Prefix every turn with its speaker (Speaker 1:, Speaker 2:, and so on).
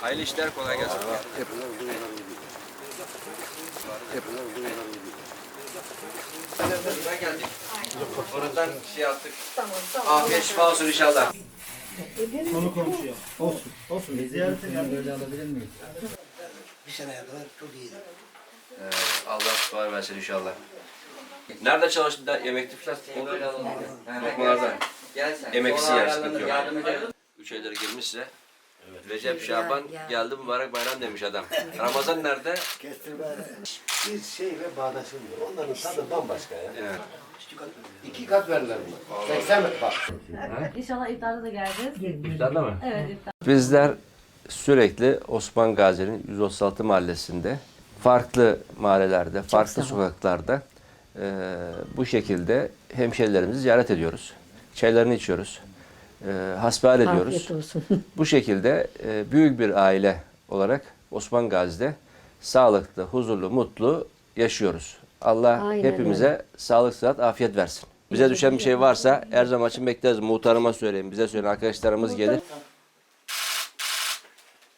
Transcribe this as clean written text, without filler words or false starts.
Speaker 1: Hayırlı işler, kolay gelsin. Buraya geldik. Oradan şey yaptık. Afiyet şifa olsun inşallah.
Speaker 2: Konu komşuya. Olsun. Olsun. Ziyarete geldik.
Speaker 3: Böyle alabilir miyiz?
Speaker 4: Bir seneye kadar çok iyiydi.
Speaker 1: Allah şifa versin inşallah. Nerede çalıştın da yemekti falan? Lokmalarda. Emeksiz yer, sıkıntı yok. 3 ayları girmişse. Recep, Şaban geldi mübarek bayram demiş adam. Ramazan nerede?
Speaker 4: Kestirme bir şey ve bağdaşılmıyor. Onların tadı bambaşka ya.
Speaker 1: Evet.
Speaker 4: 2 kat verirler buna. 80 metre bak.
Speaker 5: İnşallah iftarda da geleceğiz.
Speaker 1: İftarda mı?
Speaker 5: Evet iftar.
Speaker 1: Bizler sürekli Osman Gazi'nin 136 mahallesinde, farklı mahallelerde, farklı sokaklarda bu şekilde hemşerilerimizi ziyaret ediyoruz. Çaylarını içiyoruz. Hasbihal ediyoruz.
Speaker 6: Afiyet olsun.
Speaker 1: Bu şekilde büyük bir aile olarak Osman Gazi'de sağlıklı, huzurlu, mutlu yaşıyoruz. Allah
Speaker 6: Aynen
Speaker 1: hepimize
Speaker 6: öyle.
Speaker 1: sağlık, sıhhat, afiyet versin. Bize düşen bir şey varsa her zaman için bekleriz. Muhtarıma söyleyin, bize söyleyin, arkadaşlarımız gelir.